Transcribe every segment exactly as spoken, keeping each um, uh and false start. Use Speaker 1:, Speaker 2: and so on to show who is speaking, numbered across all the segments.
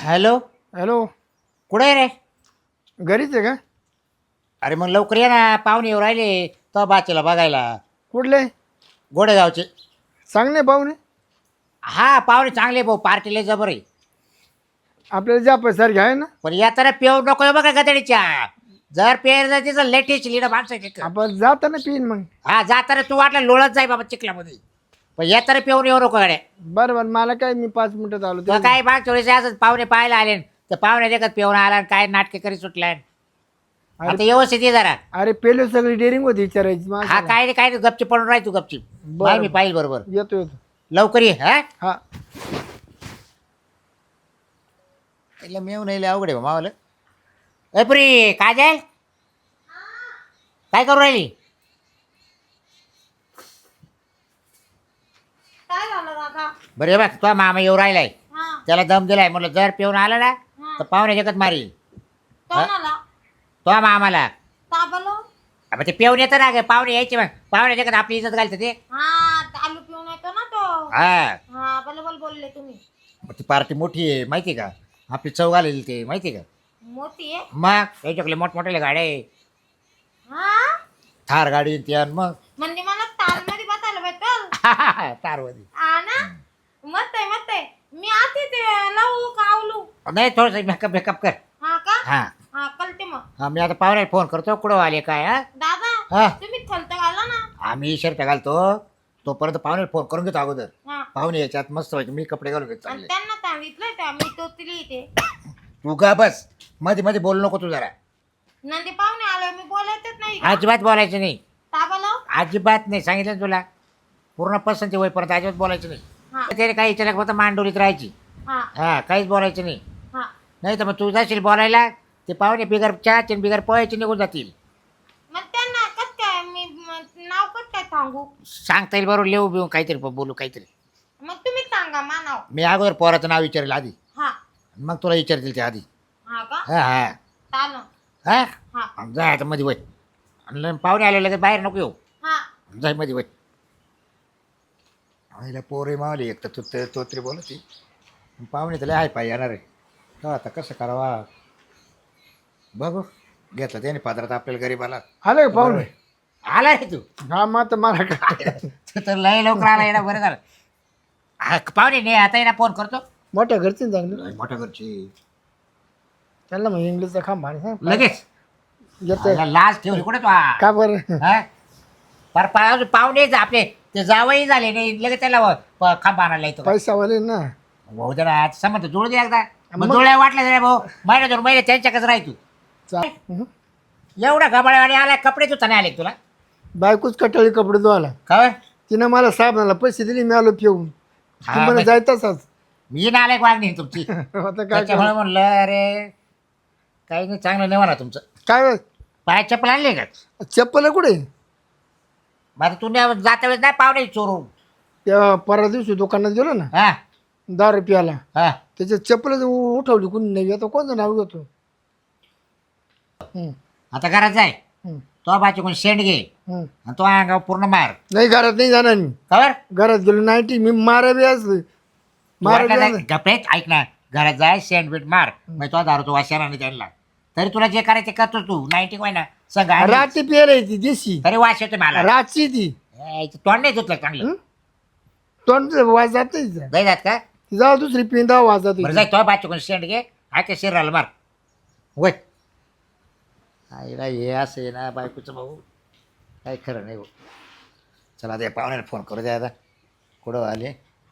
Speaker 1: Hello.
Speaker 2: Hello.
Speaker 1: कुठे आहे रे?
Speaker 2: घरीच आहे का?
Speaker 1: अरे मग लवकर ये ना, पाहुणे येऊ राहिले तो बाचेला बघायला.
Speaker 2: कुठले?
Speaker 1: गोडेगावचे.
Speaker 2: चांगले पाहुणे?
Speaker 1: हा पाहुणे चांगले भाऊ, पार्टीला जबर आहे.
Speaker 2: आपल्याला ज्या पैसारखे आहे ना.
Speaker 1: पण येताना पेव नको बघा गदडीच्या. जर पेर जर तिचं लेटेस्ट लिडं माणसाची.
Speaker 2: आपण जाताना पिन मग.
Speaker 1: हा जाताना तू वाटलं लोळत जाय बाबा चिखलामध्ये, पण येताना पेऊन येऊ नको गाड्या.
Speaker 2: बरं बरं, मला काय, मी पाच मिनिटात आलो
Speaker 1: तर काय बाग थोडेसे असं पाहुणे पाहायला आले तर पाहुणे देखत पेऊन आला आणि काय नाटके करी सुटलाय. आता व्यवस्थित ये जरा.
Speaker 2: अरे पेलो सगळी डेअरिंग होती विचारायची
Speaker 1: हा
Speaker 2: माणसाला.
Speaker 1: काय नाही काय नाही, गपची पडून राह तू गपची. बाय मी पाहिजे बरोबर.
Speaker 2: येतो येतो.
Speaker 1: लवकर ये. हा
Speaker 2: हा.
Speaker 1: त्याला मेव नाही अवघड आहे मावाला. ए पुरी काजल काय करू राहिली?
Speaker 3: काय झालं दादा?
Speaker 1: बरं हे बघ तुझा मामा येऊ राहिलाय,
Speaker 3: हा.
Speaker 1: त्याला दम दिलाय, म्हटलं जर पिऊन आला ना तर पाहुणे जगत मारी
Speaker 3: कोणाला?
Speaker 1: तो मामाला.
Speaker 3: का बोलो?
Speaker 1: अब ते पिऊन येतं ना ग, पाहुणे यायचे मग पाहुणे जगत आपली इज्जत घालतं ते.
Speaker 3: हा दारू पिऊन येतो ना तो.
Speaker 1: हा
Speaker 3: हा बरोबर बोलले तुम्ही.
Speaker 1: मग ती पार्टी मोठी आहे माहिती आहे का, आपली चव घालेली ते माहिती आहे का.
Speaker 3: मोठी आहे.
Speaker 1: मग त्याच्याकडे मोठमोठ्या गाड्या आहे,
Speaker 3: हा
Speaker 1: थार गाडी ती आणि मग
Speaker 3: म्हणजे मला ताल मध्ये बसायला भेटल.
Speaker 1: तारवधी.
Speaker 3: हा ना. मत आहे मत आहे. मी आते ते लावू का आवलू?
Speaker 1: नाही थोडस मेकअप मेकअप कर.
Speaker 3: हा का?
Speaker 1: हा
Speaker 3: हा कळते मग.
Speaker 1: हा मी आता पाहुण्याला फोन करतो कुठं आले काय. हा
Speaker 3: दादा
Speaker 1: हा
Speaker 3: तुम्ही थलत घाला ना.
Speaker 1: आम्ही शर्ट घालतो तोपर्यंत पाहुण्याला फोन करून घेतो अगोदर.
Speaker 3: हा.
Speaker 1: पाहुणे याच्यात मस्त व्हायचे, मी कपडे घालून घेतो
Speaker 3: आणि
Speaker 1: चांगले.
Speaker 3: त्यांना सांगितलंय का मी तोतली इथे.
Speaker 1: तू का बस मध्ये मध्ये बोलू नको तू जरा.
Speaker 3: नंदी पाहुणे आले मी बोलायचंच नाही का?
Speaker 1: अजिबात बोलायचं नाही,
Speaker 3: का बोलो?
Speaker 1: अजिबात नाही, सांगितलं ना तुला. पूर्ण पसंती होईपर्यंत अजिबात बोलायचं नाही.
Speaker 3: हा
Speaker 1: त्याने काही विचारलं फक्त मांडोलीत राहायची.
Speaker 3: हा
Speaker 1: हा काहीच बोलायचं नाही.
Speaker 3: हा.
Speaker 1: नाही तर मग तू जाशील बोलायला, ते पाहुणे बिगर चहाचे बिगर पोहायचे निघून जातील.
Speaker 3: मग त्यांना कस काय मी म- नाव कस काय सांगू?
Speaker 1: सांगता येईल बरोबर, लिहू बिऊ काहीतरी बोलू काहीतरी.
Speaker 3: मग तुम्ही सांगा मा नाव.
Speaker 1: मी अगोदर पोराचं नाव विचारेल आधी,
Speaker 3: हा
Speaker 1: मग तुला विचारतील ते आधी.
Speaker 3: हा का?
Speaker 1: हा हा
Speaker 3: चालेल.
Speaker 1: हा
Speaker 3: हा
Speaker 1: जाय आता मध्ये वय. आणि पाहुणे आले लगेच बाहेर नको येऊ,
Speaker 3: हा.
Speaker 1: जाय मध्ये वय. आईला पोरे मावली एक तर तू ते तोत्री बोलती, पाहुणे तर लय हाय पाय येणार आहे का, आता कसं करावा बघू. घेतलं त्याने पादरात आपल्याला गरीबाला.
Speaker 2: आले का पाहुणे?
Speaker 1: आला रे तू.
Speaker 2: हा मग आता मला काय.
Speaker 1: तू तर लय लवकर आला येणार, बरं झालं. हा, पाहुणे नाही आता येणार, फोन करतो.
Speaker 2: मोठ्या घरचे चांगले,
Speaker 1: मोठ्या घरची
Speaker 2: त्यांना मग इंग्लिशचा खांब आणि सांग.
Speaker 1: लगेच
Speaker 2: येतं.
Speaker 1: आईला लाज ठेवली कुठे तू हा?
Speaker 2: का बरं?
Speaker 1: हा? पर पर अजून पाहुणे जा आपले ते जावई झाले नाही लगेच त्याला व- प- खांब आणायला येतो.
Speaker 2: पैशावाले ना.
Speaker 1: भाऊ जरा समज जुळ दे एकदा. मग
Speaker 2: मग-
Speaker 1: जुळ्या वाटल्या जरा भाऊ, महिना दोन महिने त्यांच्याकच राह तू.
Speaker 2: चा- हं.
Speaker 1: एवढा गबाळ्यावाने आला, कपडे धुता नाही आले तुला
Speaker 2: बायकोच कटाळी कपडे धुवायला.
Speaker 1: खबर.
Speaker 2: तिनं मला साबणाला पैसे दिले, मी आलो पिऊन.
Speaker 1: हा,
Speaker 2: तुम्हाला
Speaker 1: मग-
Speaker 2: जायतच.
Speaker 1: मी ना आलाय वागणी तुमची.
Speaker 2: आता काय
Speaker 1: त्याच्यामुळे
Speaker 2: करू?
Speaker 1: म्हणलं अरे काही नाही, चांगलं नाही म्हणा तुमचं.
Speaker 2: काय
Speaker 1: पाय चप्पल आणले का?
Speaker 2: चप्पल कुठे?
Speaker 1: मग आता तू नाही- जाता वेळेस नाही पाहुणे चोरून.
Speaker 2: त्या परवा दिवशी दुकानात गेलो ना
Speaker 1: हा
Speaker 2: दहा रुपयाला,
Speaker 1: हा
Speaker 2: त्याच्या चप्पल उठवली कोणी नाही. आता कोणतं नाव घेतो? हं,
Speaker 1: आता घरात जाय,
Speaker 2: हं,
Speaker 1: तो बाची कोण शेंड घे
Speaker 2: हं.
Speaker 1: आणि तो अंगावर पूर्ण मार.
Speaker 2: नाही घरात नाही जाणार मी.
Speaker 1: खबर.
Speaker 2: घरात गेलो नाईटी मी मारा बी असलं मारा बी असलं.
Speaker 1: गपेत ऐक ना, घरात जाय शेंड बीट मार, मग तो दारू तो वाशाला नाही त्यांना. तरी तुला जे करायचे करतो तू, नाईन्टी काय ना संग आणि-
Speaker 2: राती पेर ती देशी
Speaker 1: तरी वाश येतो मला.
Speaker 2: रातची ती.
Speaker 1: ए, इथं तोंड नाही धुतलं चांगलं.
Speaker 2: हं? तोंड वाज जात नाही तिचं.
Speaker 1: जाय जात का?
Speaker 2: ती जाऊ दुसरी पिंदा वाज जाते.
Speaker 1: बरं जाय तो बाची कोण शेंड घे, आके शिराला मार वय. आईला हे असं आहे ना बायकोचं भाऊ, काही खरं नाही भाऊ. चला आता या पाहुण्याला फोन करू द्या आता, कुठं आले.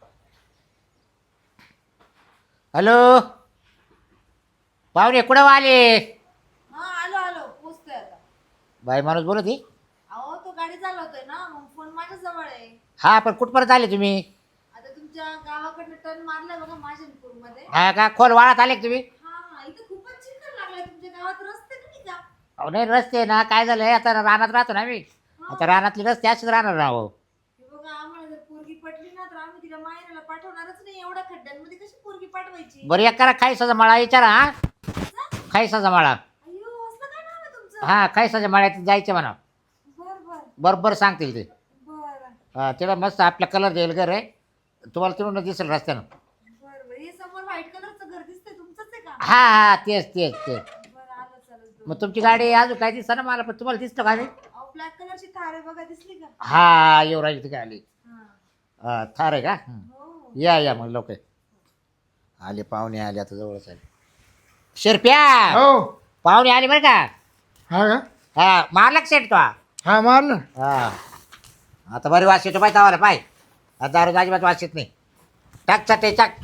Speaker 1: हॅलो पाहुणे कुठं आले?
Speaker 3: हा आलो आलो पोचतोय आता.
Speaker 1: बाई माणूस बोलत ही.
Speaker 3: अहो तो गाडी चालवतोय ना, मग फोन माझ्या जवळ आहे.
Speaker 1: हा पण कुठपर्यंत आले तुम्ही?
Speaker 3: आता तुमच्या गावाकडनं टर्न मारलाय बघा माझ्यापूर मध्ये.
Speaker 1: हा का खोल वाळात आले का तुम्ही?
Speaker 3: हा हा इथं खूपच चिखल लागलाय तुमच्या गावात. रस्ते नाही का?
Speaker 1: अहो नाही रस्ते ना, काय झालंय आता रानात राहतो ना आम्ही, आता रानातले रस्ते असेच राहणार राहो.
Speaker 3: हे बघा आम्हाला जर पोरगी पटली ना तर आम्ही तिला माहेराला पाठवणारच नाही. एवढ्या खड्ड्यांमध्ये कशी पोरगी पाठवायची?
Speaker 1: बरं एक करा, खायसाचा मळा विचारा. हा खायसाचा मळा.
Speaker 3: अय्यो असलं काय नाव आहे तुमचं?
Speaker 1: हा खायसाच्या मळ्यात जायचं म्हणा,
Speaker 3: बर बर
Speaker 1: बरोबर सांगतील ते.
Speaker 3: बर
Speaker 1: हा तिला मस्त आपला कलर देईल घर आहे तुम्हाला, तिकडून दिसेल रस्त्यानं.
Speaker 3: बर बर. हे समोर व्हाईट कलरचं घर दिसतंय तुमचंच
Speaker 1: हा हा तेच तेच तेच
Speaker 3: बरं आलं चालत
Speaker 1: मग तुमची गाडी अजून काय दिसतं ना मला पण तुम्हाला दिसतं गाडी
Speaker 3: अहो ब्लॅक कलरची थार आहे बघा दिसली का
Speaker 1: हा युवराज इथे आली
Speaker 3: हा
Speaker 1: हा थार आहे का हं.
Speaker 3: हो
Speaker 1: या या मग लोक आले पाहुणे आले आता जवळच आले शिरप्या
Speaker 2: हो
Speaker 1: पाहुणे आले बरं का
Speaker 2: हा का
Speaker 1: हा मारला का सेट तो हा
Speaker 2: हा मारलं
Speaker 1: आता बरी वास येतो पाय तवाला पाय आता दारू अजिबात वास येत नाही टाक चटे टाक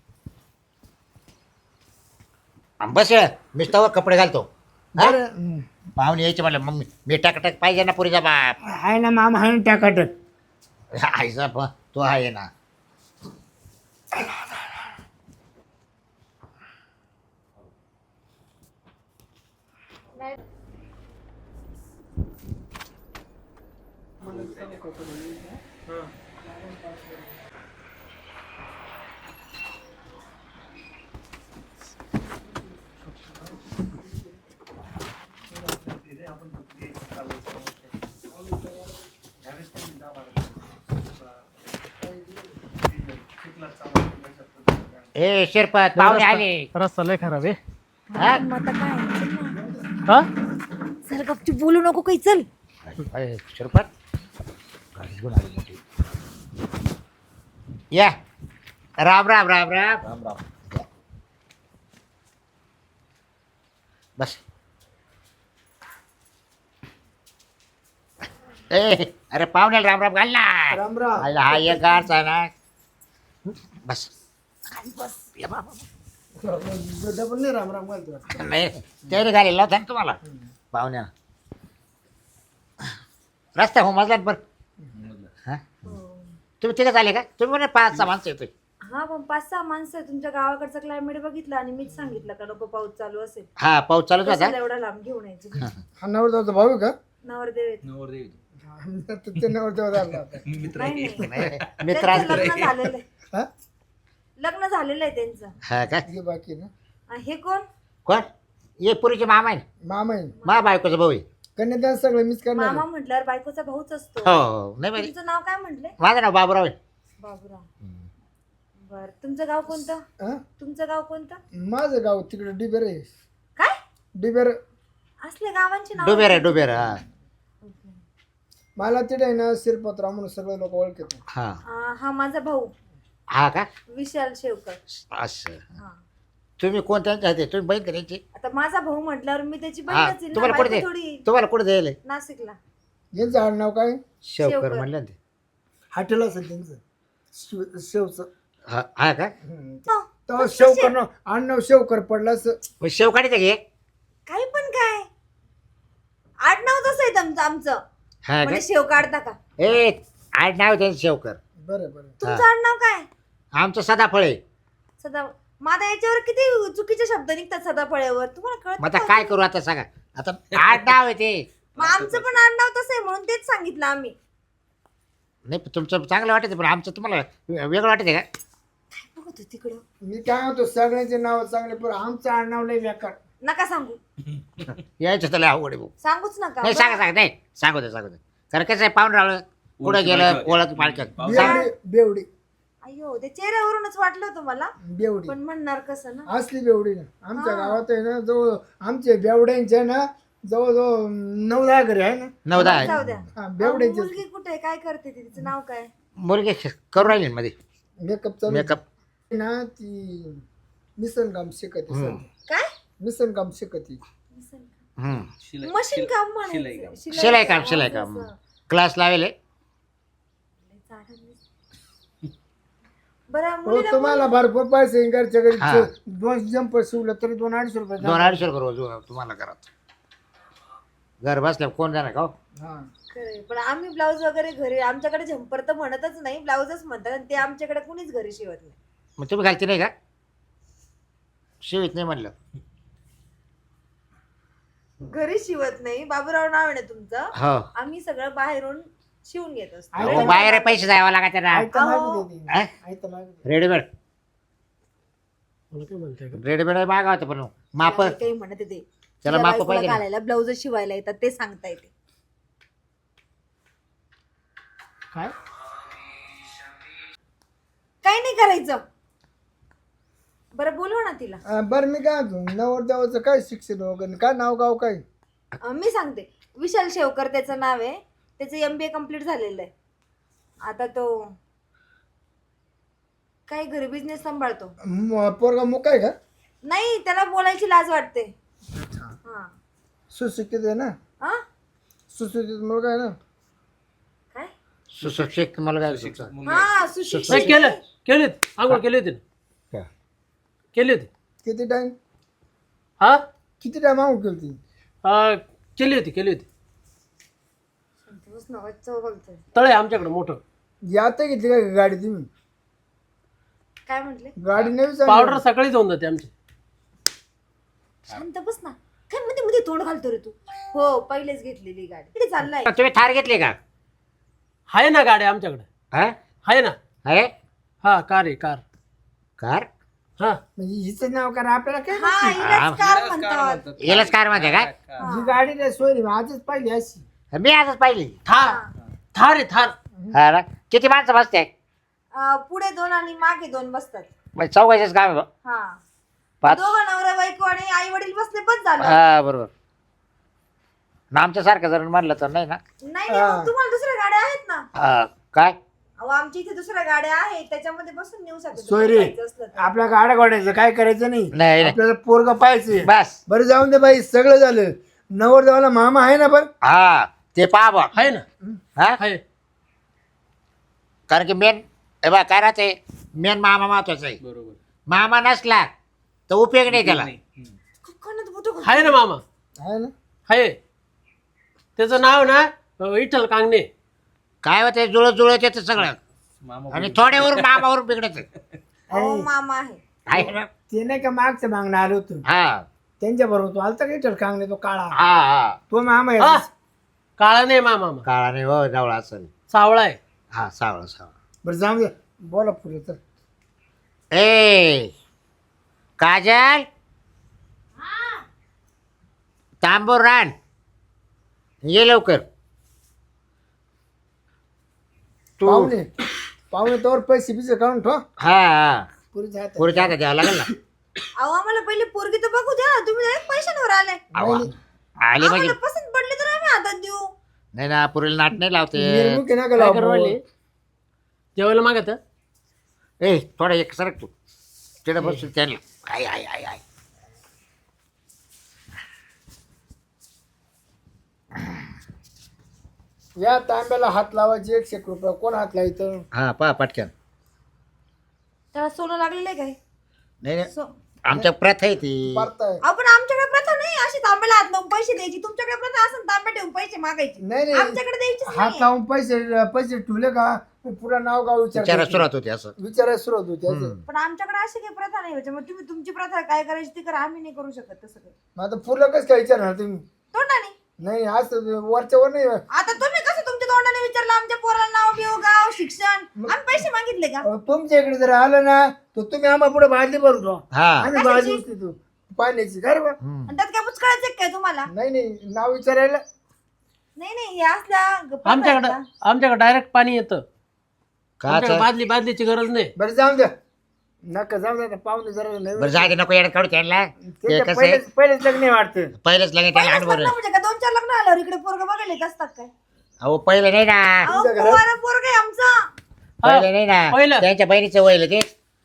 Speaker 1: आणि बस मी तवर कपडे घालतो हा?
Speaker 2: बरं हं.
Speaker 1: पाहुणे यायचे म्हणलं मम्मी मी टाक टाक पाहिजे ना पुरीचा बाप
Speaker 2: आहे ना मामा आहे ना टाकाटक
Speaker 1: आईचा प तो आहे ना ए शिरपत पाहुणे आले
Speaker 4: रस्ता लय खराब आहे
Speaker 1: हा?
Speaker 3: मग आता काय चल ना.
Speaker 4: हा
Speaker 3: चल गपचूप बोलू नको काही चल
Speaker 1: अरे, शिरपत गाडी घेऊन आली मोठी या राम राम राम राम राम राम या. बस ए अरे पाहुण्याला राम राम घाल ना
Speaker 2: राम राम
Speaker 1: आईला हा एक गारचा आहे ना बस खाली बस या बाबा.
Speaker 2: डबल नाही राम राम घालतो
Speaker 1: नाही त्याने घालेला होता ना तुम्हाला पाहुण्या रस्ता हो मजला बरं हा तुम्ही तिघं झाले का तुम्ही म्हणे पाच सहा माणसं येतोय
Speaker 3: हा पण पाच सहा माणसं आहे. तुमच्या गावाकडचं क्लायमेट बघितलं आणि मीच सांगितलं का नको पाऊस चालू असेल
Speaker 1: हा पाऊस चालूच होता
Speaker 3: कशाला एवढा लांब घेऊन यायची
Speaker 2: हा नवरदेवाचा भाऊ आहे का
Speaker 3: नवरदेव आहेत.
Speaker 2: हा, तर ते नवरदेव झाला होता.
Speaker 3: नाही नाही
Speaker 1: नाही, मित्र
Speaker 3: त्यांचं
Speaker 1: असले.
Speaker 3: लग्न झालेलं आहे
Speaker 2: हा
Speaker 3: लग्न झालेलं आहे त्यांचं
Speaker 1: हा का
Speaker 2: हे बाकी ना
Speaker 3: आणि हे कोण
Speaker 1: कोण ये पुरीचे मामा आहे
Speaker 2: मामा आहे
Speaker 1: मा बायकोचा भाऊ आहे
Speaker 2: कन्यादान सगळं मीच करणार
Speaker 3: मामा
Speaker 2: आहे.
Speaker 3: म्हटल्यावर बायकोचा भाऊच असतो
Speaker 1: हो हो नाही बरी
Speaker 3: तुमचं नाव काय म्हटले
Speaker 1: माझं नाव बाबूराव आहे
Speaker 3: बाबूराव बर तुमचं गाव कोणतं
Speaker 2: हा?
Speaker 3: तुमचं गाव कोणतं
Speaker 2: माझं गाव तिकडे डिबेर आहे
Speaker 3: काय
Speaker 2: डिबेर
Speaker 3: असले गावांची नाव
Speaker 1: डुबेर आहे डुबेर हा
Speaker 2: मला तिथे आहे ना शिरपतराव म्हणून सगळे लोक ओळखतात
Speaker 1: हा
Speaker 3: हा माझा भाऊ
Speaker 1: हा का
Speaker 3: विशाल शेवकर
Speaker 1: असं
Speaker 3: हा
Speaker 1: तुम्ही कोणत्या आहे तुम्ही बहीण करायची
Speaker 3: आता माझा भाऊ म्हटल्यावर मी त्याची
Speaker 1: हा
Speaker 3: बहीणच आहे ना,
Speaker 1: तुम्हाला कुठे
Speaker 3: बायको
Speaker 1: दे
Speaker 3: थोडी
Speaker 1: तुम्हाला कुठे द्यायला
Speaker 3: नाशिकला
Speaker 2: यांचं आडनाव काय
Speaker 1: शेवकर
Speaker 3: शेवकर.
Speaker 1: म्हणलं ना ते
Speaker 2: हॉटेल असेल त्यांचं शिव शेवचं
Speaker 1: हा हा का
Speaker 2: हम्म.
Speaker 3: हो,
Speaker 2: तेव्हा शेवकर नाव आडनाव शेवकर पडलं असं
Speaker 1: मग शेव काढायचं घे
Speaker 3: काही पण काय आडनाव तसं आहे तुमचं आमचं
Speaker 1: हा का
Speaker 3: म्हणजे शेव काढता का
Speaker 1: ए आज नाव त्यांचं शेवकर
Speaker 2: बरं बरं
Speaker 3: तुमचं आडनाव काय
Speaker 1: आमचं सदाफळ आहे
Speaker 3: सदा माझ्या याच्यावर किती चुकीचे शब्द निघतात सदाफळ्यावर तुम्हाला
Speaker 1: मग आता
Speaker 3: कळत
Speaker 1: काय करू आता सांगा आता आठ नाव आहे ते
Speaker 3: मग आमचं पण आडनाव तसं आहे म्हणून तेच सांगितलं आम्ही
Speaker 1: नाही पण तुमचं चांगलं वाटतं पण आमचं तुम्हाला वेगळं वाटतं का
Speaker 3: बघत होते तिकडं
Speaker 2: मी काय म्हणतो सगळ्यांचे नाव चांगले पण आमचं आडनाव लय बेकार
Speaker 3: नका सांगू
Speaker 1: यायचं त्याला अवघड आहे भाऊ
Speaker 3: सांगूच नका
Speaker 1: नाही सांगा सांगा नाही सांगू दे सांगू दे कारण कसं आहे पाहून राहिलं पुढे गेलं ओळख पाळक्यात
Speaker 2: बेवडी बेवडी
Speaker 3: अयो ते चेहऱ्यावरूनच वाटलं होतं मला
Speaker 2: बेवडी
Speaker 3: पण म्हणणार कसं ना
Speaker 2: असली बेवडी ना आमच्या
Speaker 3: हा.
Speaker 2: गावात आहे ना जवळ आमचे बेवड्यांचे ना जवळजवळ नऊ दहा घरी आहे ना
Speaker 1: नऊ दहा
Speaker 3: जाऊ द्या
Speaker 2: हा
Speaker 3: अहो,
Speaker 2: बेवड्यांचे
Speaker 3: मुलगी कुठे आहे? काय करते ती? तिचं नाव काय
Speaker 1: मुलगी करू राहिली ना मध्ये
Speaker 2: मेकअप चालू
Speaker 1: मेकअप
Speaker 2: ना ती मिसन काम शिकते
Speaker 1: हम्म.
Speaker 3: काय
Speaker 2: मिसन काम शिकते
Speaker 3: मशीन काम म्हणायचं
Speaker 1: शिलाई काम शिलाई काम क्लास लावेल
Speaker 3: बरं
Speaker 2: हो
Speaker 3: मुलीला
Speaker 2: तुम्हाला भरपूर पैसे घरच्या घरी
Speaker 1: हा.
Speaker 2: दोन जंपर शिवलं तरी दोन अडीचशे रुपये
Speaker 1: दोन अडीचशे रुपये रोज तुम्हाला घरात घर बसल्या कोण जाणार का हो?
Speaker 2: हा
Speaker 3: खरंय. पण आम्ही ब्लाऊज वगैरे घरी आमच्याकडे झंपर तर म्हणतच नाही ब्लाऊजच म्हणतात आणि ते आमच्याकडे कुणीच घरी शिवत नाही
Speaker 1: मग तुम्ही घालते नाही का शिवित नाही म्हणलं
Speaker 3: घरी शिवत नाही बाबूराव नाव आहे ना तुमचं
Speaker 1: हो
Speaker 3: आम्ही सगळं बाहेरून शिवून घेत असतो
Speaker 2: आहे
Speaker 1: अहो, बाहेर पैसे जावं लागत ना
Speaker 2: आयतं
Speaker 3: अहो.
Speaker 2: मागे देते.
Speaker 1: हा?
Speaker 2: आयतं मागे देते.
Speaker 1: रेडीमेड
Speaker 4: मला काय म्हणताय का
Speaker 1: रेडीमेड मागा होतं पण माप
Speaker 3: तिला काही म्हणत ते
Speaker 1: त्याला
Speaker 3: तिच्या
Speaker 1: माप
Speaker 3: बायकोला
Speaker 1: पाहिजे ना.
Speaker 3: घालायला ब्लाऊज शिवायला येतात ते सांगता येते
Speaker 4: काय
Speaker 3: काही नाही करायचं बरं बोलवा ना तिला.
Speaker 2: अं, बरं मी काय म्हणतो नवरदेवाचं काय शिक्षण वगैरे काय नाव गाव काय?
Speaker 3: अं, मी सांगते. विशाल शेवकर त्याचं नाव आहे. त्याचं एम बी ए कम्प्लीट झालेलं आहे. आता तो काही घरी बिझनेस सांभाळतो.
Speaker 2: म- पोरगा मुक आहे का?
Speaker 3: नाही, त्याला बोलायची लाज वाटते. हा.
Speaker 2: सुशिक्षित आहे ना?
Speaker 3: हा?
Speaker 2: सुशिक्षित मुलगा आहे ना?
Speaker 3: काय?
Speaker 1: सुशिक्षित मुलगा आहे तुमचा.
Speaker 3: हा
Speaker 4: नाही
Speaker 3: सुशिक्षित.
Speaker 4: केलं केली होती आंघोळ केली होती ना
Speaker 1: का?
Speaker 4: केली होती.
Speaker 2: किती टाइम
Speaker 4: हा
Speaker 2: किती टाइम आऊ केली ती?
Speaker 4: अं, केली होती केली होती.
Speaker 3: बस ना, वाचं बोलतोय.
Speaker 4: तळ आहे आमच्याकडे मोठं.
Speaker 2: आता घेतली का गाडी तुम्ही?
Speaker 3: काय म्हटले?
Speaker 2: गाडी नाही विचारली?
Speaker 4: पावडर सकाळी जाऊन जाते आमची.
Speaker 3: शांत बस ना. काय मध्ये मध्ये तोंड घालतो रे तू? हो, पहिलेच घेतलेली गाडी. इकडे चाललाय.
Speaker 1: तुम्ही थार घेतली का?
Speaker 4: आहे ना गाडी आमच्याकडे.
Speaker 1: हा
Speaker 4: आहे ना.
Speaker 1: आहे
Speaker 4: हा कार आहे कार.
Speaker 1: कार
Speaker 4: हा
Speaker 2: म्हणजे हिचं नाव करा आपल्याला काय?
Speaker 3: हा, हिलाच कार म्हणतात.
Speaker 1: येलच कार मध्ये का?
Speaker 2: ही गाडी नाही सोयरी आजच पाहिली अशी.
Speaker 1: मी आजच पाहिली.
Speaker 4: थार थार आहे थार.
Speaker 1: हा ना? किती माणसं बसते?
Speaker 3: अं, पुढे दोन आणि मागे दोन बसतात.
Speaker 1: म्हणजे चौघायचंच काम आहे बा.
Speaker 3: हा.
Speaker 1: पाच.
Speaker 3: दोघं नवरा बायको आणि आई वडील बसले पण झालं.
Speaker 1: हा बरोबर. ना आमच्या सारखं जर म्हणलं तर नाही ना.
Speaker 3: नाही नाही, मग तुम्हाला दुसऱ्या गाड्या आहेत ना.
Speaker 1: हा, काय
Speaker 3: अहो, आमच्या इथे दुसऱ्या गाड्या आहेत, त्याच्यामध्ये बसून नेऊ शकतो
Speaker 2: सोयरे
Speaker 3: जायचं असलं तर.
Speaker 2: आपल्या गाड्या गोड्याचं काय करायचं नाही.
Speaker 1: नाही नाही.
Speaker 2: आपल्याला पोरगा पाहायचं.
Speaker 1: बस.
Speaker 2: बरं जाऊन दे बाई सगळं झालं. नवरदेवाला मामा आहे ना? बरं
Speaker 1: हा ते पहा बा.
Speaker 4: आहे ना.
Speaker 1: हा
Speaker 4: आहे.
Speaker 1: कारण की मेन हे बा काय राहते मेन मामा महत्वाचा आहे.
Speaker 4: बरोबर.
Speaker 1: मामा नसला तर उपयोग नाही त्याला.
Speaker 3: कानात बोटं घाल.
Speaker 4: आहे ना मामा.
Speaker 2: आहे ना?
Speaker 4: आहे. त्याचं नाव ना विठ्ठल कांगणे.
Speaker 1: काय होते जुळत जुळत येतं सगळं आणि थोड्यावरून मामावरून बिघडत
Speaker 3: अहो, मामा आहे.
Speaker 1: आहे ना.
Speaker 2: ते नाही का मागचं मागणं आलं होतं
Speaker 1: हा
Speaker 2: त्यांच्या बरोबर तो आलता काही कांगणे तो काळा
Speaker 1: हा हा
Speaker 2: तो मामा
Speaker 4: हा
Speaker 2: आहे.
Speaker 4: काळा नाही मामा.
Speaker 1: काळा नाही हो जवळ असेल.
Speaker 4: सावळा आहे.
Speaker 1: हा सावळा सावळा.
Speaker 2: बरं जाऊन दे बोला पुढे तर.
Speaker 1: ए काजल तांबूर रान ये लवकर तू.
Speaker 2: पाहुणे पाहुणे तोवर पैसे बिसे काढून ठो
Speaker 1: हा हा
Speaker 2: पुरीच्या हातात.
Speaker 1: पुढच्या हातात द्यावं लागेल ना.
Speaker 3: अहो, आम्हाला पहिले पोरगी तर बघू द्या. तुम्ही direct पैशांवर आले.
Speaker 1: अहो, आली म्हणजे
Speaker 3: आम्हाला पसंत पडले तर आम्ही हातात देऊ.
Speaker 1: नाही ना पुरीला नाट नाही लावते.
Speaker 2: निर्मुखी नका
Speaker 4: काय
Speaker 2: लावू
Speaker 4: करू
Speaker 2: भाऊ.
Speaker 4: राहिले? जेवायला मागत.
Speaker 1: ए थोडा एक सरक तू तिथे बसू त्याला. आय आय आय आय
Speaker 2: या तांब्याला हात लावायचे एकशे एक रुपये कोण हात लावायचं?
Speaker 1: हा पहा पटकन.
Speaker 3: त्याला सोनं लागलेलं आहे काय?
Speaker 1: नाही नाही
Speaker 3: सो-
Speaker 1: आमच्या प्रथा आहे ती.
Speaker 2: पारताय.
Speaker 3: अहो, पण आमच्याकडे प्रथा नाही अशी तांब्याला हात लावून पैसे द्यायची. तुमच्याकडे प्रथा असं तांब्या ठेवून पैसे मागायचे.
Speaker 2: नाही नाही
Speaker 3: आमच्याकडे द्यायचीच
Speaker 2: हात
Speaker 3: नाही.
Speaker 2: लावून पैसे पैसे ठेवले का पुरा नाव गाव
Speaker 1: विचारा
Speaker 2: विचार
Speaker 1: सुरुवात होती असं.
Speaker 2: विचारायला सुरुवात होती असं.
Speaker 1: हम्म.
Speaker 3: पण आमच्याकडे अशी काही प्रथा नाही. त्याच्यामुळे तुम्ही तुमची प्रथा काय करायची ती करा. आम्ही नाही करू शकत तसं काही.
Speaker 2: मग आता पुरलं कसं काय विचारणार तुम्ही?
Speaker 3: तोंडाने.
Speaker 2: नाही असं वरच्या वर नाही.
Speaker 3: आता तुम्ही कसं तुमच्या तोंडाने विचारलं आमच्या पोराला नाव बिव गाव शिक्षण आम्ही पैसे मागितले का?
Speaker 2: अहो, तुमच्या इकडे जर आलं ना तर तुम्ही आम्हाला पुढे बादली भरून ठेवा.
Speaker 1: हा
Speaker 2: आम्ही बाजू तू पाण्याची घर बा.
Speaker 1: हम्म.
Speaker 3: आणि त्यात काय पुचकाळायचं काय तुम्हाला?
Speaker 2: नाही नाही नाव विचारायला
Speaker 3: नाही नाही, हे असल्या गप्पा
Speaker 4: आमच्याकडे
Speaker 3: आहेत
Speaker 4: आमच्याकडे डायरेक्ट पाणी येतं.
Speaker 1: का
Speaker 4: आमच्याकडे बादली बादलीची गरज नाही.
Speaker 2: बरं जाऊन द्या नका जाऊ द्या पाहुणे जरा
Speaker 1: बरं
Speaker 2: नाही
Speaker 1: जागे नको येण्यात काढू त्यांना. ते
Speaker 2: त्याच्या
Speaker 1: कसं आहे
Speaker 2: पहिलेच पहिलेच लग्न वाटतं.
Speaker 1: पहिलेच लगे
Speaker 3: का?
Speaker 1: त्याला
Speaker 3: पहिलेच
Speaker 1: अनुभव
Speaker 3: लग्न
Speaker 1: आहे.
Speaker 3: म्हणजे का दोन चार लग्न आल्यावर इकडे पोरग बघायला येत असतात काय?
Speaker 1: अहो पहिलं नाही ना.
Speaker 3: अहो,
Speaker 2: तुमच्या घरात?
Speaker 3: पोराला पोरग आहे आमचा.
Speaker 1: पहिलं नाही ना
Speaker 4: पहिलं.
Speaker 1: त्यांच्या बहिणीचं वयलं ते.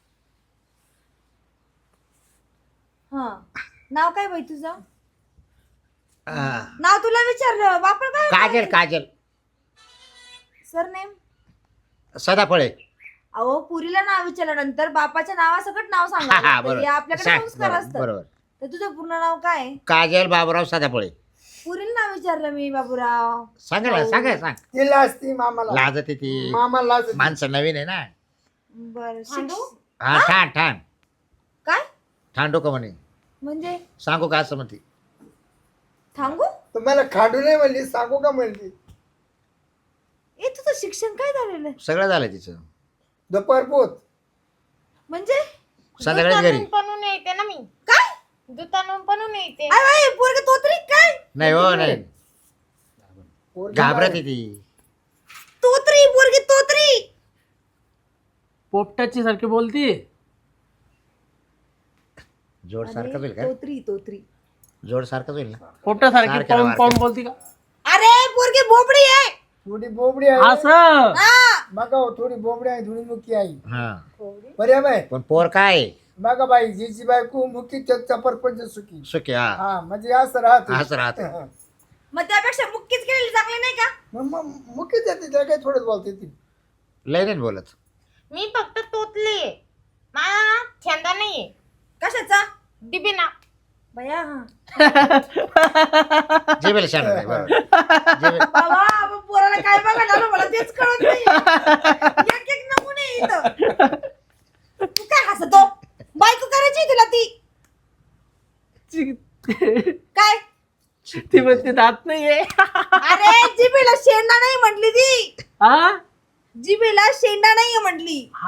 Speaker 3: हा, नाव काय बाई तुझं?
Speaker 1: हा.
Speaker 3: नाव तुला विचारलं बापा काय?
Speaker 1: काजल काजल
Speaker 3: सरनेम?
Speaker 1: सदाफळे.
Speaker 3: अहो, पुरीला नाव विचारल्यानंतर बापाच्या नावासकट नाव
Speaker 1: हा, हा,
Speaker 3: सांगा.
Speaker 1: बरोबर.
Speaker 3: आपल्याकडे
Speaker 1: सांग,
Speaker 3: संस्कार
Speaker 1: बरोबर,
Speaker 3: असतात.
Speaker 1: बरोबर.
Speaker 3: तर तुझं पूर्ण नाव काय आहे?
Speaker 1: काजल बाबूराव सदाफळे.
Speaker 3: पुरीला नाव विचारलं मी बाबूराव.
Speaker 1: सांगा ना सांगा सांग.
Speaker 2: ती लाजती मामाला.
Speaker 1: लाजत आहे ती.
Speaker 2: मामा लाजती.
Speaker 1: माणसं नवीन आहे ना.
Speaker 3: बर.
Speaker 1: हा ठाण ठाण
Speaker 3: काय
Speaker 1: ठाण डोकं म्हणे.
Speaker 3: म्हणजे
Speaker 1: सांगू का असं म्हणते.
Speaker 3: थांबू?
Speaker 2: तुम्हाला खाडू नाही म्हणली सांगू का म्हणली?
Speaker 3: ए, तुझं शिक्षण काय झालेलं आहे?
Speaker 1: सगळं झालं तिचं.
Speaker 2: दुपार पोत
Speaker 3: म्हणजे
Speaker 1: संध्याकाळीच घरी.
Speaker 5: बनवून येते ना मी.
Speaker 3: काय?
Speaker 5: दुकानून बनवून येते.
Speaker 3: अरे बाई, पोरगं तोतरी काय?
Speaker 1: नाही हो नाही
Speaker 2: पोरगी
Speaker 1: घाबरत
Speaker 2: मागे.
Speaker 1: आहे ती.
Speaker 3: तोतरी पोरगी तोतरी.
Speaker 4: पोपटाची सारखी बोलती.
Speaker 1: जोड सारखं होईल का
Speaker 3: तोत्री तोत्री
Speaker 1: जोड सारखं होईल ना
Speaker 4: पोपटासारखी
Speaker 1: सारखं
Speaker 4: पाऊन
Speaker 1: वारकं.
Speaker 4: पाऊन बोलती का
Speaker 3: अरे पोरगी बोबडी आहे.
Speaker 2: थोडी बोबडी आहे
Speaker 4: असं
Speaker 3: हा.
Speaker 2: बघा हो, थोडी बोबडी आहे थोडी मुकी आहे
Speaker 1: हा
Speaker 2: बऱ्या बाय
Speaker 1: पण पोर काय आहे?
Speaker 2: बघा बाई जिची बायको मुकी त्याचा परपंच सुखी
Speaker 1: सुखी हा
Speaker 2: हा म्हणजे असं राहत
Speaker 1: असं राहतं.
Speaker 3: मग त्यापेक्षा मुक्कीच केलेली चांगली नाही का?
Speaker 2: मग मुकीच येते त्याला काही थोडंच बोलते ती
Speaker 1: लय नाही बोलत
Speaker 5: मी फक्त तोतली आहे. मला छंद नाहीये
Speaker 3: कशाचा?
Speaker 5: डिबिना.
Speaker 3: बया हा.
Speaker 1: जेबेला शाळा नाही बरोबर जेबे-
Speaker 3: बाबा आपण पोराला काय बघा झालं मला तेच कळत नाही. एक एक नमुने आहे इथं. तू काय हसतो? बायको करायची तुला ती काय?
Speaker 4: ती म्हणते दात नाहीये
Speaker 3: अरे जिबेला शेंडा नाही म्हटली ती.
Speaker 4: हा
Speaker 3: जिबेला शेंडा नाहीये म्हटली.
Speaker 4: हा.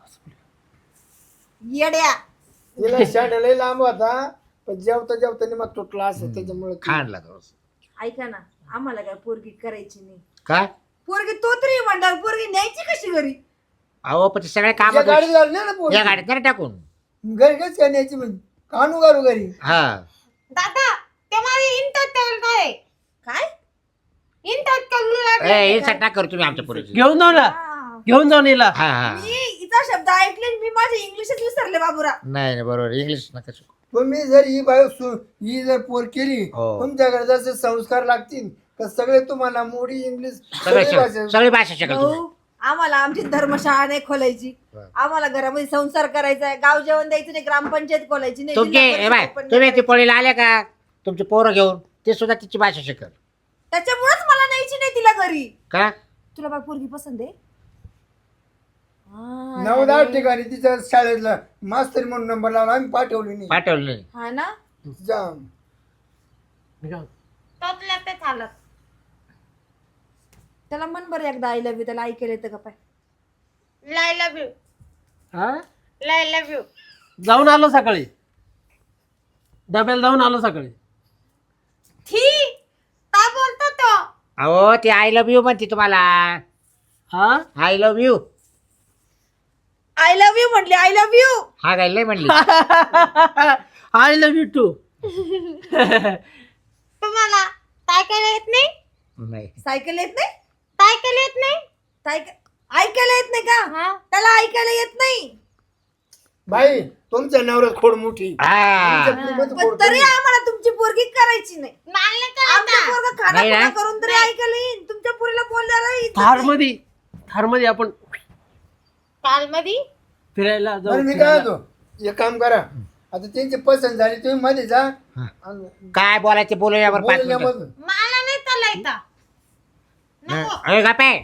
Speaker 3: येड्या.
Speaker 2: तिला शाट लय लांब होता पण जेवता जेवता मग तुटला असं त्याच्यामुळे ती-
Speaker 1: खाणला तो
Speaker 3: ऐका ना आम्हाला काय पोरगी करायची नाही.
Speaker 1: काय
Speaker 3: पोरगी तोतरी म्हणणार पोरगी न्यायची कशी घरी?
Speaker 1: अहो पण ते सगळे काम
Speaker 2: या गाडी झाली नाही ना पोरी.
Speaker 1: या गाडीत नाही टाकून
Speaker 2: घरी कच काय न्यायची म्हणजे कानू घालू घरी
Speaker 1: हा
Speaker 5: दादा ते माझे इंटत काय
Speaker 3: काय?
Speaker 5: इंटत करू
Speaker 1: ए हे सट ना करू तुम्ही आमच्या पोरीची
Speaker 4: घेऊन जाऊ ना
Speaker 3: हा.
Speaker 4: घेऊन जाऊन येला
Speaker 1: हा हा
Speaker 3: मी हिचा शब्द ऐकले आणि मी माझे इंग्लिशच विसरले बाबूरा.
Speaker 1: नाही नाही बरोबर इंग्लिश नका शिकू.
Speaker 2: तुम्ही जर ही बाय ही जर पोर केली
Speaker 1: हो.
Speaker 2: तुमच्याकडे जसे संस्कार लागतील तर सगळे तुम्हाला मोडी इंग्लिश
Speaker 1: सगळे
Speaker 2: सगळी भाषा-
Speaker 1: सगळी भाषा शिकाल तुम्ही
Speaker 3: भाऊ आम्हाला आमची धर्मशाळा नाही खोलायची.
Speaker 1: बरं.
Speaker 3: आम्हाला घरामध्ये संसार करायचा आहे. गाव जेवण द्यायचं नाही. ग्रामपंचायत खोलायची नाही.
Speaker 1: तुमचे
Speaker 3: जिल्हा
Speaker 1: ए बाय
Speaker 3: परिषद open
Speaker 1: तुम्ही
Speaker 3: नाही
Speaker 1: ती पोळीला आले का तुमचे पोरं घेऊन ते सुद्धा तिची भाषा शिकल
Speaker 3: करायची. त्याच्यामुळेच मला न्यायची नाही तिला घरी.
Speaker 1: का
Speaker 3: तुला बाय पोरगी पसंत आहे? हा,
Speaker 2: नऊ दहा
Speaker 3: अरे.
Speaker 2: ठिकाणी तिच्या शाळेतला मास्तर म्हणून नंबर लावला आम्ही पाठवली नाही
Speaker 1: पाठवलं नाही
Speaker 3: हा ना.
Speaker 2: जा.
Speaker 5: तोतल्या ते चालत.
Speaker 3: त्याला मन बरं एकदा आय लव्ह यू त्याला ऐकायला येतं का पाय?
Speaker 5: लाय लव्ह यू.
Speaker 4: हा
Speaker 5: लाय लव्ह यू.
Speaker 4: जाऊन आलो सकाळी डब्याला जाऊन आलो सकाळी
Speaker 5: थी काय बोलतो तो?
Speaker 1: अहो ती आय लव्ह यू म्हणते तुम्हाला
Speaker 4: हा
Speaker 1: I love you
Speaker 3: I love you म्हटली. I love you.
Speaker 1: हा काय लय म्हणली
Speaker 4: आय लव्ह यू टू
Speaker 5: तुम्हाला सायकल येत नाही?
Speaker 1: नाही
Speaker 3: सायकल येत नाही?
Speaker 5: सायकल येत नाही?
Speaker 3: सायकल ऐकायला येत नाही का?
Speaker 5: हा.
Speaker 3: त्याला ऐकायला येत नाही.
Speaker 2: बाई तुमच्या नवऱ्यात खोड मोठी
Speaker 1: हा
Speaker 2: तुमच्या पुरीमध्ये
Speaker 3: पण
Speaker 2: खोड
Speaker 3: तरी
Speaker 2: कमी.
Speaker 3: आम्हाला तुमची पोरगी करायची नाही.
Speaker 5: मला नाही
Speaker 3: आमच्या
Speaker 5: करायचा.
Speaker 3: पोरगं खाना
Speaker 1: नाही ना?
Speaker 3: खुणा करून तरी ऐकायला येईल. तुमच्या पोरीला बोलल्याला येत
Speaker 4: थार
Speaker 3: नाही.
Speaker 4: मध्ये थार मध्ये आपण
Speaker 5: काल मधी
Speaker 4: फिरायला
Speaker 2: बरं
Speaker 4: जाऊ
Speaker 2: मी काय
Speaker 4: फिरायला.
Speaker 2: होतो एक काम करा आता त्यांची पसंत झाली तुम्ही मध्ये जा आणि
Speaker 1: काय बोलायचे बोलूयावर पाच
Speaker 2: बोलूया
Speaker 1: मिनिटं
Speaker 2: मग.
Speaker 5: मला नाही चालायचा. नको.
Speaker 1: अरे का पे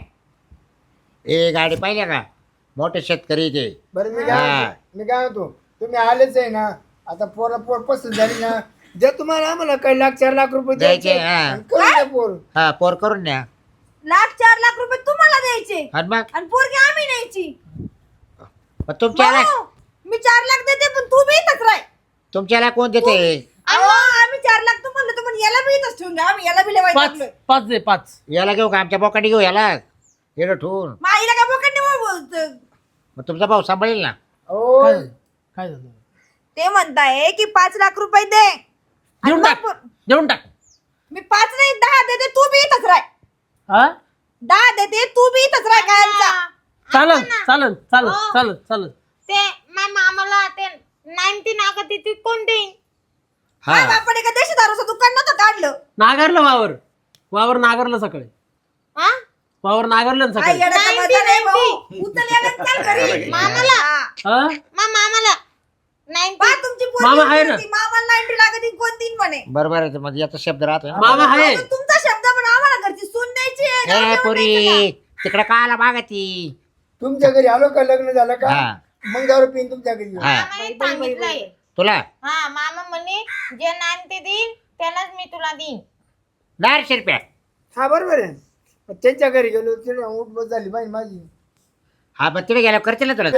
Speaker 1: ए गाडी पाहिल्या का मोठे शेतकरी ते
Speaker 2: बरं मी काय
Speaker 1: हा.
Speaker 2: म्हणतो- मी काय होतो तुम्ही आलेच आहे ना आता पोरा पोर पसंत झाली ना जर तुम्हाला आम्हाला काही लाख चार लाख रुपये
Speaker 1: द्यायचे,
Speaker 2: द्यायचे
Speaker 1: हा.
Speaker 2: आणि करून द्या पोर
Speaker 1: हा पोर करून न्या
Speaker 3: लाख चार लाख रुपये तुम्हाला द्यायचे
Speaker 1: आणि मग
Speaker 3: आणि पोरगी आम्ही न्यायची.
Speaker 1: मग तुमच्याला
Speaker 3: भाऊ, मी चार लाख देते पण तू बी इथंच राह.
Speaker 1: तुमच्याला कोण देते
Speaker 3: अहो, आम्ही चार लाख तू म्हणलं तर पण याला बी इथंच ठेवून घ्या. आम्ही याला बी लेवायचं
Speaker 4: पाच
Speaker 3: आपलं.
Speaker 4: पाच दे पाच
Speaker 1: याला घेऊ का आमच्या बोकांडी घेऊ याला येडं ठेवून
Speaker 3: मग आईला काय बोकांडी बोलतो?
Speaker 1: मग तुमचा भाऊ सांभाळेल ना
Speaker 2: ओ
Speaker 4: काय झालं? काय झालं
Speaker 3: ते म्हणताय की पाच लाख रुपये दे आणि
Speaker 4: देऊन
Speaker 3: मग
Speaker 4: टाक
Speaker 3: पोर-
Speaker 4: देऊन टाक
Speaker 3: मी पाच नाही दहा देते तू बी इथंच राह.
Speaker 4: हा
Speaker 3: दहा देते तू बी इथंच राह कायमचा.
Speaker 4: चालन चालन चालन
Speaker 5: हो.
Speaker 4: चालन चालन
Speaker 5: ते माझ्या मामाला ते नाईन्टी नागत ती कोण देईन?
Speaker 1: हा
Speaker 3: काय बापाने का देशी दारूचं दुकान नव्हतं काढलं?
Speaker 4: नागारलं वावर वावर नागारलं सकाळी
Speaker 5: हा?
Speaker 4: वावर नागारलं ना
Speaker 3: काय
Speaker 4: सकाळी
Speaker 3: येड्याचा
Speaker 5: नाईन्टी,
Speaker 3: मजा नाही भाऊ.
Speaker 5: नाईन्टी.
Speaker 3: उचल याला आणि चाल घरी.
Speaker 5: मामाला.
Speaker 3: हा.
Speaker 4: हा
Speaker 5: मा मामाला नाईन्टी.
Speaker 3: पहा तुमची पोरगी
Speaker 4: मामा आहे ना.
Speaker 3: म्हणती, मामाला नाईन्टी लागत कोण तीन म्हणे.
Speaker 1: बरोबर आहे म्हणजे याचा शब्द राहतो ना.
Speaker 4: मामा आहे
Speaker 3: अहो, तुमचा शब्द पण आम्हाला घरची सून द्यायची आहे. गाव
Speaker 1: ए
Speaker 3: जेवण
Speaker 1: पुरी
Speaker 3: द्यायचं
Speaker 1: तिकडे काला मागा ती
Speaker 2: तुमच्या घरी आलो का लग्न झालं का
Speaker 1: हा.
Speaker 2: मग दारू पिन तुमच्या घरी येऊ.
Speaker 1: हा
Speaker 5: मामाने सांगितलंय.
Speaker 1: तुला
Speaker 5: हा मामा म्हणे जे नाईन्टी देईन त्यालाच मी तुला देईन.
Speaker 1: दहाशे रुपया
Speaker 2: हा बरोबर आहे मग त्यांच्या घरी गेलो तिथे उठ बस झाली बाई माझी
Speaker 1: हा पण तिथे गेल्यावर करतील ना तुला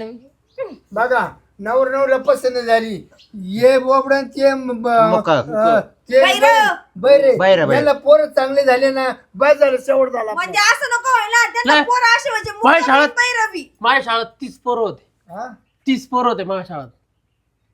Speaker 2: बघा नवर नवला पसंत झाली ये बोबडन ते म- ब-
Speaker 1: मुका.
Speaker 2: अं, ते
Speaker 3: बैरं.
Speaker 2: बैरे
Speaker 1: बैरं, बैरं.
Speaker 2: याला पोर चांगले झाले ना बस झालं शेवट झाला
Speaker 3: म्हणजे असं नको व्हायला त्यांना
Speaker 4: नाही.
Speaker 3: पोरं अशी म्हणजे
Speaker 4: माझ्या शाळेत-
Speaker 3: मुलं रवी.
Speaker 4: माझ्या शाळेत तीस पोरं होते
Speaker 2: हा?
Speaker 4: तीस पोरं होते माझ्या शाळेत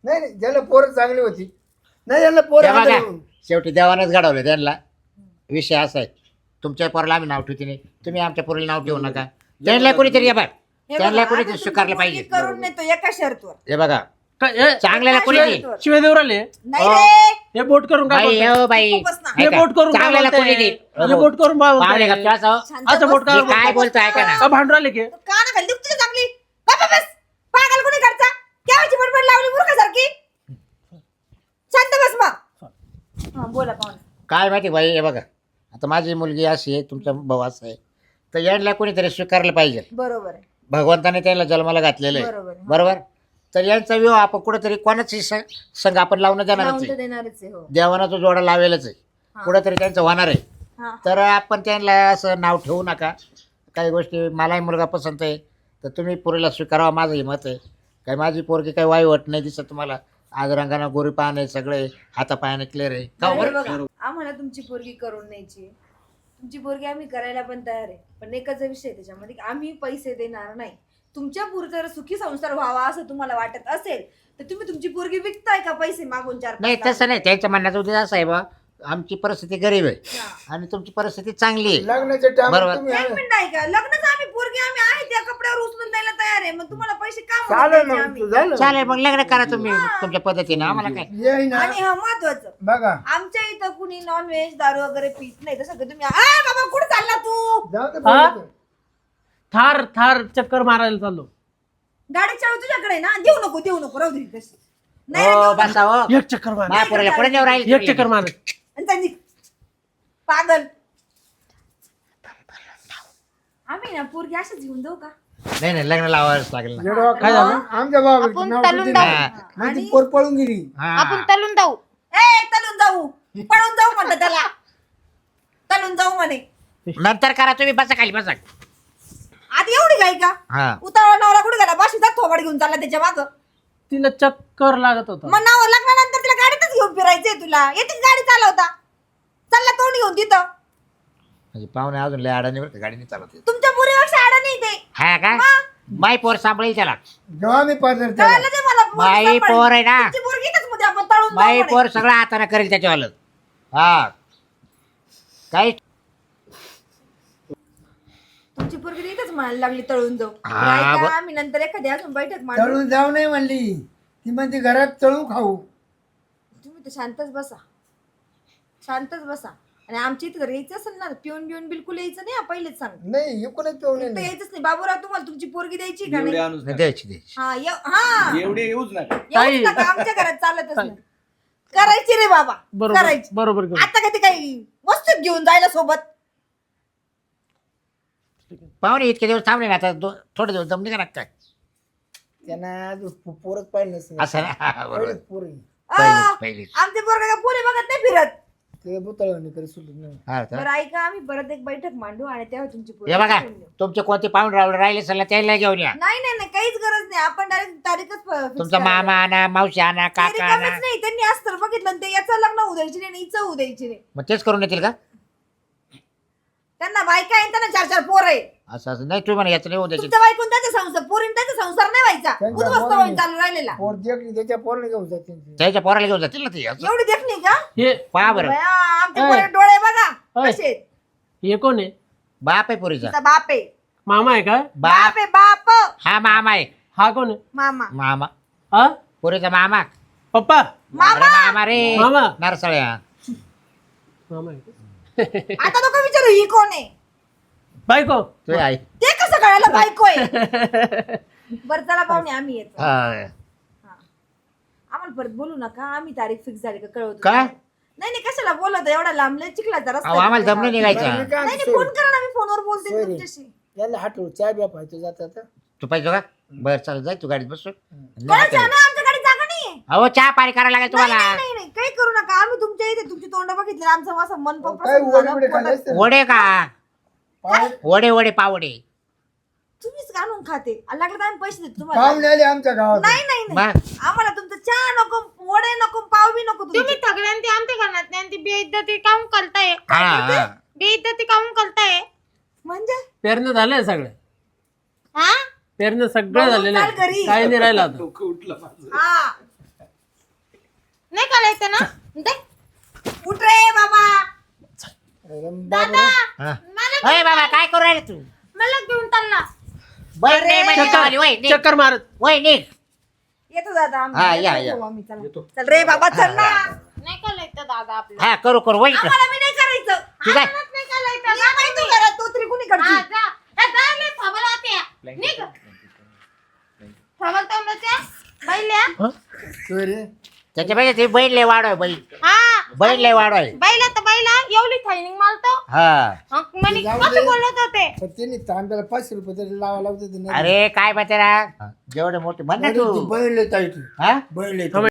Speaker 2: नाही नाही ज्याला पोरं चांगली होती नाही याला पोरं
Speaker 1: हे बघा,
Speaker 2: आंधळी होऊन.
Speaker 1: शेवटी देवानच घडवलं त्यांना. विषय असा आहे, तुमच्या पोराला आम्ही नाव ठेवते नाही, तुम्ही आमच्या पोरीला नाव ठेवू नका. त्यांना कोणीतरी, हे बघ,
Speaker 3: हे
Speaker 1: त्यांना
Speaker 3: बघा,
Speaker 1: कोणीतरी
Speaker 3: आता
Speaker 1: स्वीकारलं
Speaker 3: तुमची
Speaker 1: पाहिजे.
Speaker 3: पोरगी करून नेतो एका शर्तवर.
Speaker 1: हे बघा,
Speaker 4: काय हे?
Speaker 1: चांगल्याला कोणी
Speaker 3: एका
Speaker 1: देईल.
Speaker 3: शर्तवर.
Speaker 4: शिवाय देऊ राहिले
Speaker 3: नाही
Speaker 1: हो.
Speaker 3: रे
Speaker 4: हे बोट करून काय
Speaker 1: बाई
Speaker 4: बोलताय?
Speaker 1: हो बाई,
Speaker 3: खूपच ना.
Speaker 4: हे
Speaker 1: ऐका,
Speaker 4: बोट करून काय
Speaker 1: चांगल्याला
Speaker 4: बोलताय?
Speaker 1: कोणी देईल.
Speaker 4: हे बोट करून काय बोलताय?
Speaker 1: पाहुणे गप्प बसावं.
Speaker 3: शांत
Speaker 4: असं
Speaker 3: बस.
Speaker 4: बोट काय
Speaker 1: मी काय बोलतो ऐका ना.
Speaker 4: का भांडू राहिले की
Speaker 3: तू काना खाली दुखते का चांगली बाबा बस पागल कोणी करता केव्हाची बडबड लावली मूर्खासारखी शांत बस मग हा बोला पाहुणे
Speaker 1: काय माहिती बाई, हे बघा, आता माझी मुलगी अशी आहे, तुमचा भाऊ असा आहे, तर यांना कोणीतरी स्वीकारलं पाहिजे.
Speaker 3: बरोबर आहे
Speaker 1: भगवंताने त्याला जन्माला घातलेलं आहे,
Speaker 3: बरोबर आहे.
Speaker 1: बरोबर. तर यांचा विवाह आपण कुठेतरी कोणाची स- संघ आपण लावून देणारच
Speaker 3: लावून तर
Speaker 1: आहे.
Speaker 3: देणारच आहे हो
Speaker 1: देवाना तो जोडा लावेलच आहे,
Speaker 3: हा.
Speaker 1: कुठेतरी त्यांचं होणार आहे.
Speaker 3: हा
Speaker 1: तर आपण त्यांना असं नाव ठेवू नका. काही गोष्टी, मलाही मुलगा पसंत आहे, तर तुम्ही पोरीला स्वीकारावा, माझंही मत आहे. काही माझी पोरगी काही वाईवट नाही दिसत तुम्हाला, आज रंगाना गोरी पाहणे सगळे हातापायाने क्लिअर आहे का
Speaker 3: अरे
Speaker 1: बरं?
Speaker 3: बघा, आम्हाला तुमची पोरगी करून न्यायची आहे. तुमची पोरगी आम्ही करायला पण तयार आहे, पण एकच विषय आहे त्याच्यामध्ये की आम्ही पैसे देणार नाही. तुमच्या पुढचा जर सुखी संसार व्हावा असं तुम्हाला वाटत असेल तर तुम्ही तुमची पोरगी विकताय का पैसे मागून चार
Speaker 1: नाही
Speaker 3: पाच
Speaker 1: तसं नाही, त्यांच्या म्हणण्याचा उद्देश असा आहे बा, आमची परिस्थिती गरीब आहे
Speaker 3: हा.
Speaker 1: आणि तुमची परिस्थिती चांगली आहे.
Speaker 2: लग्नाच्या टाइम
Speaker 1: बरोबर.
Speaker 2: तुम्ही
Speaker 3: एक मिनिट ऐका, लग्नच आम्ही पोरगी आम्ही आहे त्या कपड्यावर उचलून द्यायला तयार आहे, मग तुम्हाला पैसे का म्हणून
Speaker 2: चालेल
Speaker 3: द्यायचे
Speaker 2: मग
Speaker 3: आम्ही?
Speaker 2: तू झालं
Speaker 1: चालेल, मग लग्न करा तुम्ही तुमच्या पद्धतीने, आम्हाला काय.
Speaker 2: ये ना
Speaker 3: आणि हा महत्वाचं,
Speaker 2: बघा
Speaker 3: आमच्या इथं कुणी नॉन व्हेज दारू वगैरे पित नाही. तसं तुम्ही आ बाबा कुठे चालला तू?
Speaker 2: जाऊ दे
Speaker 4: हा?
Speaker 2: बोलू दे.
Speaker 4: थार थार चक्कर मारायला चाललो.
Speaker 3: गाडी चालू तुझ्याकडे आहे ना, देऊ नको देऊ नको राहू दे तशी. नाही रे,
Speaker 1: हो
Speaker 3: देऊ नको.
Speaker 1: बसा हो,
Speaker 4: एक चक्कर मार
Speaker 1: महापुराला पुढे नेऊ राहील
Speaker 4: एक चक्कर मार
Speaker 3: आणि त्यांनी पागल आम्ही ना पोरगी अशाच घेऊन जाऊ का?
Speaker 1: नाही नाही, लग्न लावावंच लागेल ना.
Speaker 2: येडवा
Speaker 4: काय झालं?
Speaker 2: आमच्या बाबा
Speaker 5: आपण
Speaker 2: नाव
Speaker 5: तलून
Speaker 2: किती
Speaker 5: जाऊ.
Speaker 2: नाही.
Speaker 1: हा.
Speaker 2: मग ती
Speaker 3: आणि-
Speaker 2: पोर पळून गेली
Speaker 1: हा.
Speaker 5: आपण तलून जाऊ.
Speaker 3: ए तलून जाऊ, पळून जाऊ म्हणलं त्याला, तलून जाऊ म्हणे.
Speaker 1: नंतर करा तुम्ही, बसा खाली बसा.
Speaker 3: आधी एवढी गाय का?
Speaker 1: हा
Speaker 3: उतावळा नवरा कुठे गेला? बाशीचा थोबाड घेऊन चालला त्याच्या माग.
Speaker 4: तिला चक्कर लागत होता.
Speaker 3: मग नाव लग्नानंतर तिला गाडीतच घेऊन फिरायचंय तुला. येते गाडी चालवता, चालला तोंड घेऊन तिथं.
Speaker 1: म्हणजे पाहुणे अजून लय अडाणी बरं का, गाडीने चालवत आहे.
Speaker 3: तुमच्या पुरीपेक्षा आडा नाही ते.
Speaker 1: हा का, माई पोर सांभाळील त्याला.
Speaker 2: जेव्हा मी पाजर
Speaker 3: कळलं ते मला. पोरगी
Speaker 1: बाई
Speaker 3: सांभाळली.
Speaker 1: पोर आहे ना.
Speaker 3: तुमची पोरगी इथंच मध्ये आपण तळून जाऊ
Speaker 1: माई
Speaker 3: म्हणे.
Speaker 1: पोर सगळं हाताने करेल त्याच्यावालं. हा काही
Speaker 3: तुमची पोरगी इथंच म्हणायला लागली तळून जाऊ.
Speaker 1: हा,
Speaker 3: ऐका,
Speaker 1: ब-
Speaker 3: आम्ही नंतर एखादी अजून बैठक मांडू.
Speaker 2: तळून जाऊ नाही म्हणली ती म्हणते घरात तळू खाऊ
Speaker 3: तुम्ही तर शांतच बसा, शांतच बसा. आणि आमच्या इथे जर यायचं असेल ना, पिऊन बिऊन बिलकुल यायचं नाही. हा, पहिलेच सांग,
Speaker 2: नाही एकूणच पिऊ
Speaker 3: तर
Speaker 2: नाही
Speaker 3: यायचंच नाही. बाबूराव तुम्हाला तुमची पोरगी द्यायची का
Speaker 6: एवढे
Speaker 3: नाही?
Speaker 6: आणूच
Speaker 1: नाही,
Speaker 6: नका.
Speaker 1: द्यायची द्यायची.
Speaker 3: हा ये- हा
Speaker 6: एवढे येऊच नका.
Speaker 3: येऊच नका, आमच्या घरात चालतच नाही. करायची रे बाबा,
Speaker 4: बरोबर
Speaker 3: करायची.
Speaker 4: बरोबर करू.
Speaker 3: आता कधी काही वस्तू घेऊन जायला सोबत.
Speaker 1: पाहुणे इतके दिवस थांबले ना, आता दो- थोडे दिवस जमले का ना काय
Speaker 2: त्यांना अजून पो- पोरच पाहिजे नसेल.
Speaker 1: असं ना. हा, बरोबर.
Speaker 2: पहिलेच पोरं.
Speaker 3: आ,
Speaker 1: पहिलीच पहिलीच
Speaker 3: आमचे पोरगा का पोरी बघत नाही फिरत.
Speaker 2: ते बुतळवणी करे सुटत नाही
Speaker 1: हा का?
Speaker 3: बरं ऐका, आम्ही परत एक बैठक मांडू आणि तेव्हा तुमची पोरगी
Speaker 1: हे बघा,
Speaker 3: घेऊन येऊ.
Speaker 1: तुमचे कोणते पाहुणे रावले राहिले सल्ला त्याला घेऊन या.
Speaker 3: नाही नाही नाही, काहीच गरज नाही. आपण डायरेक्ट तारीखच फ- fix
Speaker 1: तुमचा
Speaker 3: करायला.
Speaker 1: मामा आणा, मावशी आणा,
Speaker 3: ते
Speaker 1: काका आणा.
Speaker 3: रिकामेच नाही. त्यांनी असं तर बघितलं ना, ते याचं लग्न होऊ द्यायची नाही आणि हिचं होऊ द्यायची नाही.
Speaker 1: मग तेच करून येतील का?
Speaker 3: त्यांना बायका आहे, त्यांना चार चार पोर आहे.
Speaker 1: असं असं नाही, तुम्ही म्हणा याचं नाही होऊ द्यायचं.
Speaker 3: तुमच्या बायकून त्याचा संसार, पोरीन त्याचा संसार नाही व्हायचा.
Speaker 2: त्यांच्या
Speaker 3: उद्ध्वस्त
Speaker 2: पोरांनी-
Speaker 3: होऊन चालू राहिलेला.
Speaker 2: पोर देखली त्याच्या पोरने घेऊन जाते
Speaker 1: त्याच्या पोराला घेऊन जातील ना ते असं.
Speaker 3: एवढी देखणी का?
Speaker 4: हे
Speaker 1: पहा बरं,
Speaker 3: बया, आमचे
Speaker 4: ऐ.
Speaker 3: पोरे डोळे बघा
Speaker 4: ऐ.
Speaker 3: कसे आहेत.
Speaker 4: हे कोण आहे?
Speaker 1: बाप आहे पुरीचा.
Speaker 3: तिचा बाप आहे,
Speaker 4: मामा आहे का?
Speaker 1: बाप
Speaker 3: बाप आहे, बाप.
Speaker 1: हा मामा आहे.
Speaker 4: हा कोण आहे?
Speaker 3: मामा
Speaker 1: मामा
Speaker 4: हा
Speaker 1: पुरीचा मामा.
Speaker 4: पप्पा
Speaker 3: मामा.
Speaker 1: अरे मामा रे
Speaker 4: मामा.
Speaker 1: नरसळ्या.
Speaker 4: मामा आहे का?
Speaker 3: आता नको विचारू ही कोण आहे.
Speaker 4: बायको
Speaker 1: तू आई.
Speaker 3: ते कसं कळायला बायको आहे. बरं चला पाहुणे, आम्ही येतो.
Speaker 1: हा.
Speaker 3: हा. आम्हाला परत बोलू नका. आम्ही तारीख फिक्स झाली का कळवतो.
Speaker 1: का?
Speaker 3: नाही नाही, कशाला बोलत एवढा लांबले चिखलाचा रस्ता
Speaker 1: अहो,
Speaker 3: आहे.
Speaker 1: आम्हाला दम नाही निघायचा.
Speaker 3: नाही नाही, फोन करा ना, मी फोनवर बोलते
Speaker 2: सोय रे.
Speaker 3: तुमच्याशी.
Speaker 2: याला हटवू चाय बिया पाहिजे जातात
Speaker 1: तू पाहिजे का? बरं चालेल, जाय तू गाडीत बसून.
Speaker 3: कोणाच्या ना, आमच्या गाडीत जागा नाहीये.
Speaker 1: अहो चहा पाणी करायला लागेल
Speaker 3: नाही
Speaker 1: तुम्हाला.
Speaker 3: नाही नाही नाही, काही करू नका. आम्ही तुमच्या इथे तुमची तोंड बघितली, आमचं असं मन पण
Speaker 2: काय
Speaker 3: प्रसन्न
Speaker 2: वडे
Speaker 3: झालं.
Speaker 2: बिडे
Speaker 3: पोटात-
Speaker 2: खाल्ले
Speaker 1: वडे का?
Speaker 2: पाहुणे
Speaker 1: वडे वडे पावडे.
Speaker 3: तुम्हीच आणून खाते. आणि लागलं तर आम्ही पैसे देतो तुम्हाला.
Speaker 2: पाहुणे आले आमच्या गावात
Speaker 3: नाही नाही नाही,
Speaker 1: मग
Speaker 3: आम्हाला तुमचं चहा नको, वडे नको, पाव बी नको
Speaker 5: तुम्ही
Speaker 3: तुमचे.
Speaker 5: सगळ्यांची आमच्या घरात नाही आणि ती बेइज्जती काऊन करताय?
Speaker 1: हा हा.
Speaker 5: बेइज्जती काऊन करताय?
Speaker 3: म्हणजे
Speaker 4: पेरणं झालंय सगळे
Speaker 5: हा?
Speaker 4: पेरणं सगळं
Speaker 3: बघून
Speaker 4: झालेलं
Speaker 3: चाल
Speaker 4: आहे.
Speaker 3: घरी.
Speaker 4: काही नाही राहिलं आता.
Speaker 6: डोकं उठलं माझं.
Speaker 3: हा
Speaker 5: नाही करायचं ना दे.
Speaker 3: उठ रे बाबा.
Speaker 2: अरे
Speaker 5: दादा
Speaker 2: बाबा.
Speaker 1: हा.
Speaker 5: मला
Speaker 1: अय बाबा काय करू राहिले तू
Speaker 5: मला घेऊन चालला.
Speaker 1: बैल नाही म्हणजे
Speaker 4: चक्कर
Speaker 1: वाली, वय निघ.
Speaker 4: चक्कर मारत
Speaker 1: वय निघ.
Speaker 3: येतो दादा आम्ही.
Speaker 1: हा,
Speaker 3: येतो
Speaker 1: या, या.
Speaker 3: आम्ही, चला. चल रे बाबा चल ना.
Speaker 5: नाही करायचं दादा आपलं.
Speaker 1: हा करू करू वय इकडं.
Speaker 3: आम्हाला मी नाही करायचं.
Speaker 1: ठीक आहे
Speaker 5: आपणच नाही करायचं.
Speaker 3: ये बाई तू घरात, तू तरी कुणी
Speaker 5: हा,
Speaker 3: करते?
Speaker 5: जा. ए, जा लय थांबला होत्या. निघ. थांबल थांबलच्या. बैल्या.
Speaker 2: सोयरे
Speaker 1: त्याच्यापेक्षा ते बैल लय वाढ आहे बैल
Speaker 5: हा.
Speaker 1: बैल लय वाढ आहे
Speaker 5: बैला तर बैला एवढी थायनिंग मारतो.
Speaker 1: हा
Speaker 5: हं, म्हणे
Speaker 2: जाऊ
Speaker 5: कसं
Speaker 2: दे.
Speaker 5: बोलत होते.
Speaker 2: पण त्यांनी तांब्याला पाचशे रुपये तरी लावा लावते
Speaker 1: अरे काय माहिती ना जेवढे मोठे म्हण ना
Speaker 2: ती
Speaker 1: तू
Speaker 2: बैल येत आहे ती
Speaker 1: हा
Speaker 2: बैल येत